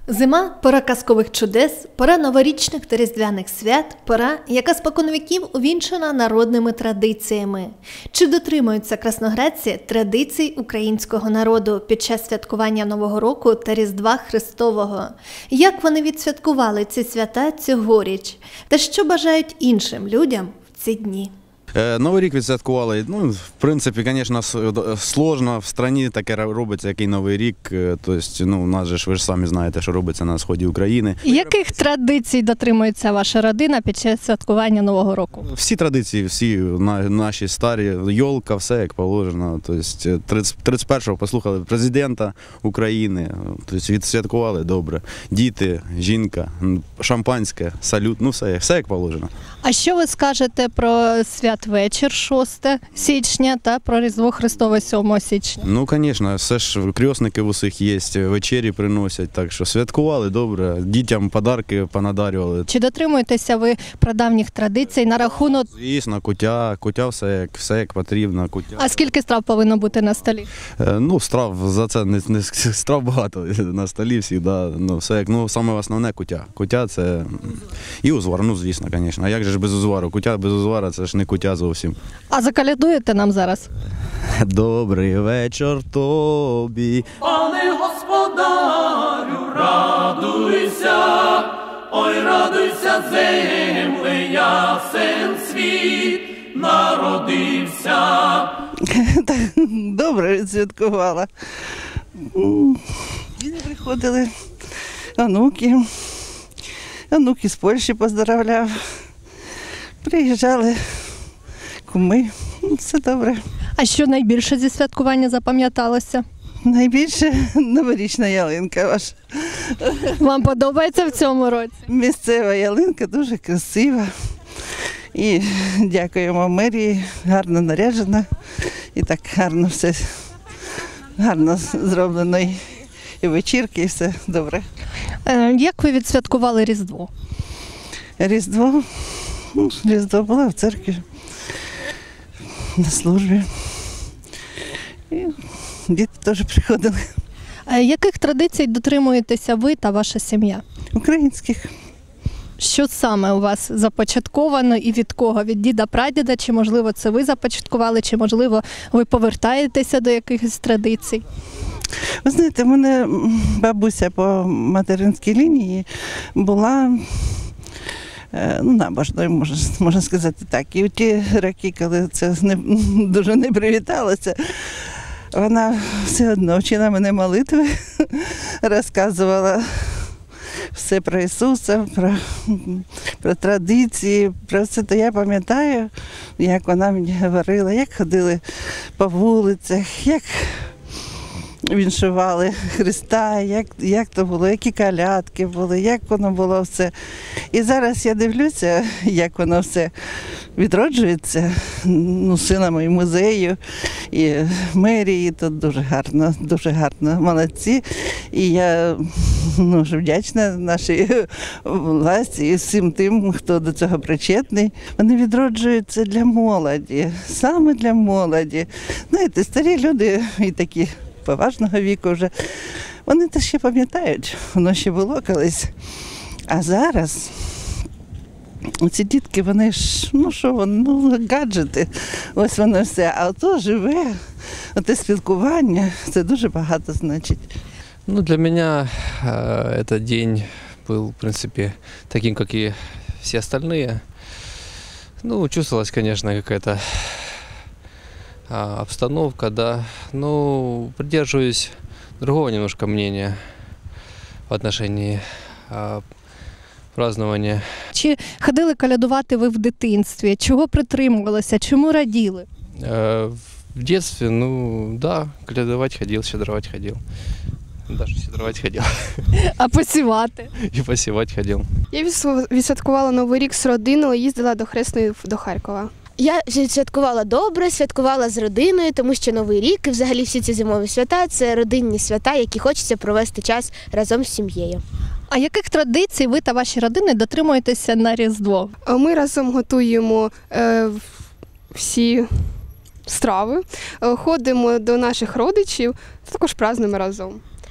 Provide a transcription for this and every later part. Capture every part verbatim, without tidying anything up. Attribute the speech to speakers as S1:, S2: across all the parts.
S1: Зима – пора казкових чудес, пора новорічних та різдвяних свят, пора, яка споконвіків увінчена народними традиціями. Чи дотримуються красноградці традицій українського народу під час святкування Нового року та Різдва Христового? Як вони відсвяткували ці свята цьогоріч? Та що бажають іншим людям в ці дні?
S2: Новий рік відсвяткували. Ну, в принципі, звісно, складно в країні таке робиться, який Новий рік. Тобто, ну, у нас же ж, ви ж самі знаєте, що робиться на сході України.
S3: Яких традицій дотримується ваша родина під час святкування Нового року?
S2: Всі традиції, всі наші старі, йолка, все як положено. Тобто, тридцять першого послухали президента України, тобто, відсвяткували добре. Діти, жінка, шампанське, салют, ну все, все як положено.
S3: А що ви скажете про святвечір шостого січня та про Різдво Христове сьомого січня?
S2: Ну, звісно, все ж крестники в усіх є, вечері приносять, так що святкували добре, дітям подарки понадарювали.
S3: Чи дотримуєтеся ви прадавніх традицій на рахунок?
S2: Звісно, куття, куття все як, все як потрібно. Куття.
S3: А скільки страв повинно бути на столі?
S2: Е, ну, страв, за це не, не страв багато на столі завжди, ну, все як, ну, саме основне куття. Куття це і узвар, ну, звісно, звісно. А як же ж без узвару? Куття без узвара це ж не куття зовсім.
S3: А заколядуєте нам зараз?
S2: Добрий вечір тобі,
S4: пане господарю, радуйся, ой, радуйся, земле, ясен світ народився.
S5: Добре відсвяткувала. Діти приходили, онуки, онуки з Польщі поздоровляв. Приїжджали куми, все добре.
S3: А що найбільше зі святкування запам'яталося?
S5: Найбільше новорічна ялинка ваша.
S3: Вам подобається в цьому році?
S5: Місцева ялинка дуже красива. І дякуємо мерії, гарно наряджена. І так гарно все, гарно зроблено. І вечірки, і все добре.
S3: Як ви відсвяткували Різдво?
S5: Різдво? Ну, Різдво було в церкві, на службі. І діти теж приходили.
S3: Яких традицій дотримуєтеся ви та ваша сім'я?
S5: Українських.
S3: Що саме у вас започатковано і від кого? Від діда-прадіда? Чи, можливо, це ви започаткували, чи, можливо, ви повертаєтеся до якихось традицій?
S5: Ви знаєте, в мене бабуся по материнській лінії була, ну, набожною, можна, можна сказати так. І у ті роки, коли це не, дуже не привіталося, вона все одно вчила мене молитви, розказувала все про Ісуса, про, про традиції, про все. То я пам'ятаю, як вона мені говорила, як ходили по вулицях, як віншували Христа, як, як то було, які колядки були, як воно було все. І зараз я дивлюся, як воно все відроджується, ну, силами і музею, і мерії, то дуже гарно, дуже гарно, молодці. І я, ну, дуже вдячна нашій власті і всім тим, хто до цього причетний. Вони відроджуються для молоді, саме для молоді. Знаєте, старі люди і такі поважного віку вже, вони те ще пам'ятають, воно ще було колись. А зараз ці дітки, вони ж, ну що вони, ну, гаджети, ось воно все. А ото живе, оте спілкування, це дуже багато значить.
S6: Ну, для меня э, этот день был, в принципе, таким, как и все остальные. Ну, чувствовалась, конечно, какая-то обстановка, да, но придерживаюсь другого немножко мнения в отношении а, празднования.
S3: Чи ходили колядувати ви в дитинстві? Чого притримувалися? Чому раділи?
S6: Э, в детстве, ну, да, колядовать ходил, щедровать ходил. Даже щедровать ходил.
S3: А посівати?
S6: І посівати ходив.
S7: Я відсвяткувала Новий рік з родиною, їздила до Хресної до Харкова.
S8: Я святкувала добре, святкувала з родиною, тому що Новий рік і взагалі всі ці зимові свята – це родинні свята, які хочеться провести час разом з сім'єю.
S3: А яких традицій ви та ваші родини дотримуєтеся на Різдво?
S7: Ми разом готуємо е, всі страви, ходимо до наших родичів, також празднуємо разом.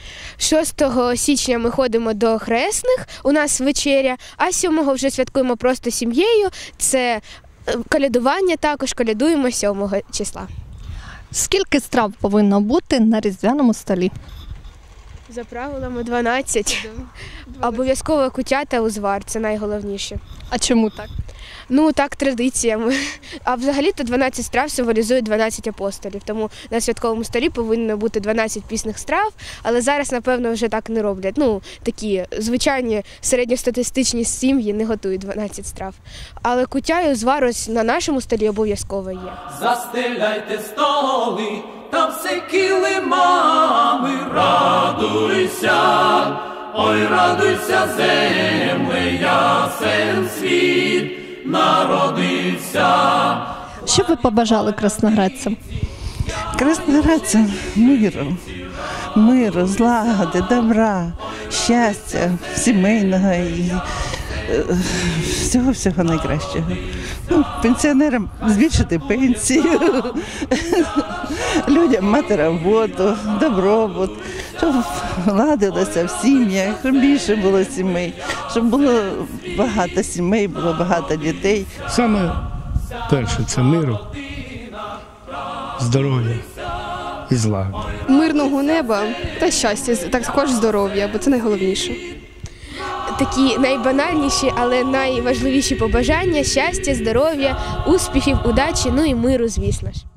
S8: шостого січня ми ходимо до хресних, у нас вечеря, а сьомого вже святкуємо просто сім'єю. Це колядування також, колядуємо сьомого числа.
S3: Скільки страв повинно бути на різдвяному столі?
S8: За правилами дванадцять. Обов'язково куття та узвар, це найголовніше.
S3: А чому так?
S8: Ну, так, традиціями. А взагалі-то дванадцять страв символізують дванадцять апостолів, тому на святковому столі повинно бути дванадцять пісних страв, але зараз, напевно, вже так не роблять. Ну, такі звичайні середньостатистичні сім'ї не готують дванадцять страв. Але куття і узвар ось на нашому столі обов'язково є.
S4: Застеляйте столи, та все килимами, радуйся, ой, радуйся, земле, ясен світ народився.
S3: Що б ви побажали красноградцям?
S5: Красноградцям миру, миру, злагоди, добра, щастя, сімейного і всього-всього найкращого. Ну, пенсіонерам збільшити пенсію, людям мати роботу, добробут, щоб ладилося в сім'ях, щоб більше було сімей, щоб було багато сімей, було багато дітей.
S9: Саме перше – це миру, здоров'я і злагоди.
S7: Мирного неба та щастя, також здоров'я, бо це найголовніше.
S8: Такі найбанальніші, але найважливіші побажання – щастя, здоров'я, успіхів, удачі, ну і миру, звісно ж.